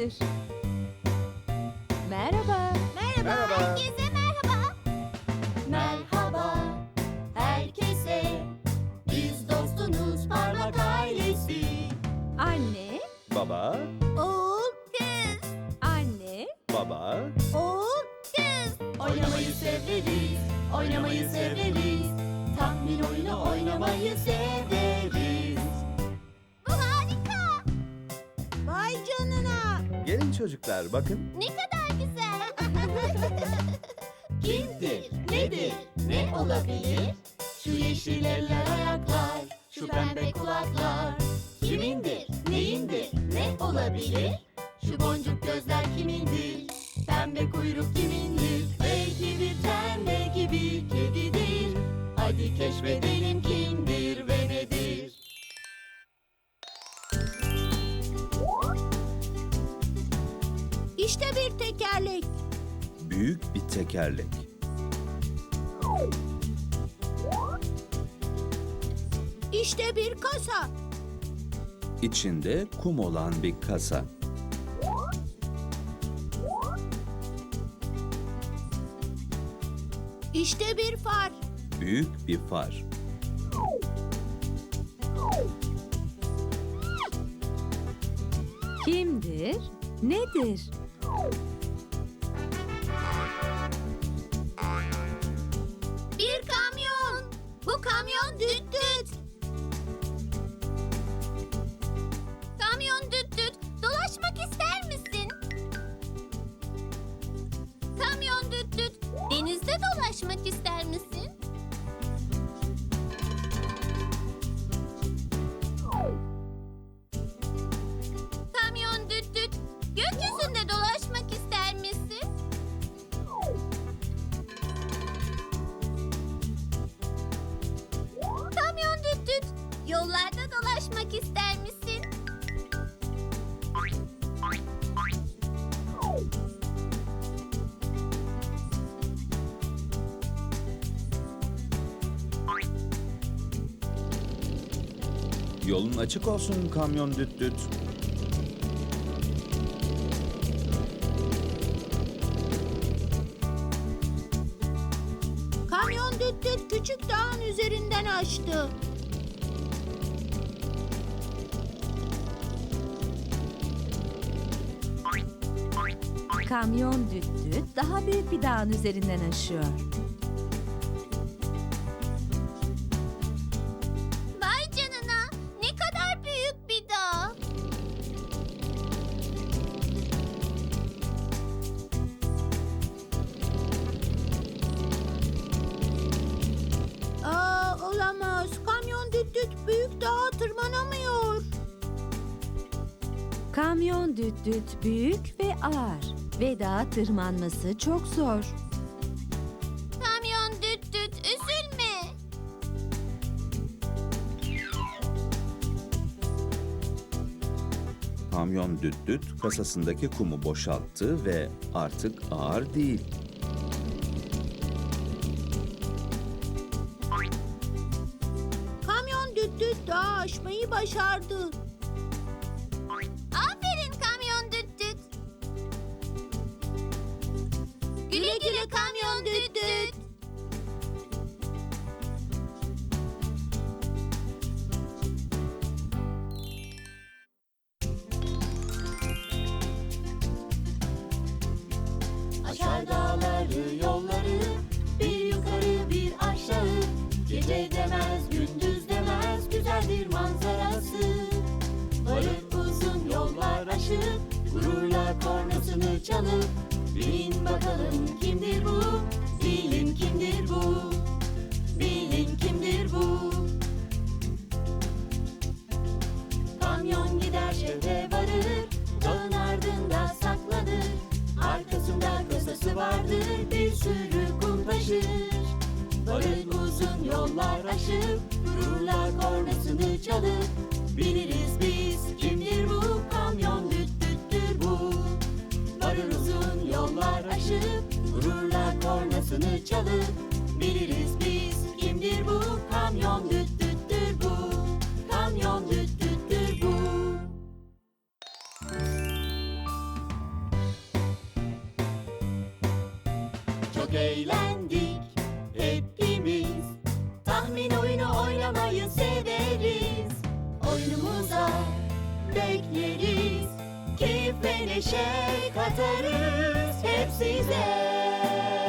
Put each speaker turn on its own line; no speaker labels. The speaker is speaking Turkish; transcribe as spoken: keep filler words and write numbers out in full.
nedir? Merhaba.
Merhaba.
Merhaba.
Herkese merhaba. Merhaba herkese. Biz dostunuz parmak ailesi.
Anne,
Baba,
Oğul, kız.
anne,
baba,
Oğul, kız. Oynamayı severiz. Oynamayı severiz. Tahmin oyunu oynamayı severiz. Bu harika. Vay canına.
gelin çocuklar bakın.
Ne kadar güzel. Kimdir, nedir, ne olabilir? Şu yeşil eller ayaklar, şu pembe kulaklar. Kimindir, neyindir, ne olabilir? Şu boncuk gözler kimindir? Pembe kuyruk kimindir? Belki bir ten, belki bir kedidir. Hadi keşfedelim kimdir ve nedir? İşte bir tekerlek.
Büyük bir tekerlek.
İşte bir kasa.
İçinde kum olan bir kasa.
İşte bir far.
Büyük bir far.
kimdir, nedir?
Bir kamyon. Bu kamyon düt düt. Kamyon düt düt. Dolaşmak ister misin? Kamyon düt düt. Denizde dolaşmak ister misin? Kamyon düt düt. Gökyüzünde dolaşmak ister misin? Kamyon düt düt. Yollarda dolaşmak ister misin?
Yolun açık olsun kamyon düt düt.
Kamyon düt düt küçük dağın üzerinden açtı.
Kamyon düt düt daha büyük bir dağın üzerinden aşıyor.
Vay canına, ne kadar büyük bir dağ. Aa, olamaz. Kamyon düt düt büyük dağa tırmanamıyor.
Kamyon düt düt büyük ve ağır ve dağa tırmanması çok zor.
Kamyon düt düt üzülme.
Kamyon düt düt kasasındaki kumu boşalttı ve artık ağır değil.
Kamyon düt düt dağı aşmayı başardı. Aferin kamyon düt düt. Güle güle kamyon düt düt. Aşar dağları yolları, bir yukarı bir aşağı. Gece demez gündüz demez, güzeldir manzarası. Varıp uzun yollar aşıp, gururla kornasını çalıp. Bilin bakalım kimdir bu, bilin kimdir bu, bilin kimdir bu. Kamyon gider şehre varır, dağın ardında saklanır. Arkasında kasası vardır, bir sürü kum taşır. Varır uzun yollar aşıp, gururla kornasını çalıp. Biliriz biz kimdir bu, kamyon düt düttür bu. Varır uzun yollar aşıp, gururla kornasını çalıp. Biliriz biz kimdir bu, kamyon düt düttür bu. Kamyon düt düttür bu. çok eğlendik hepimiz. Tahmin oyunu oynamayı severiz. Oyunumuza bekleriz. Keyif ve neşe katarız hep size.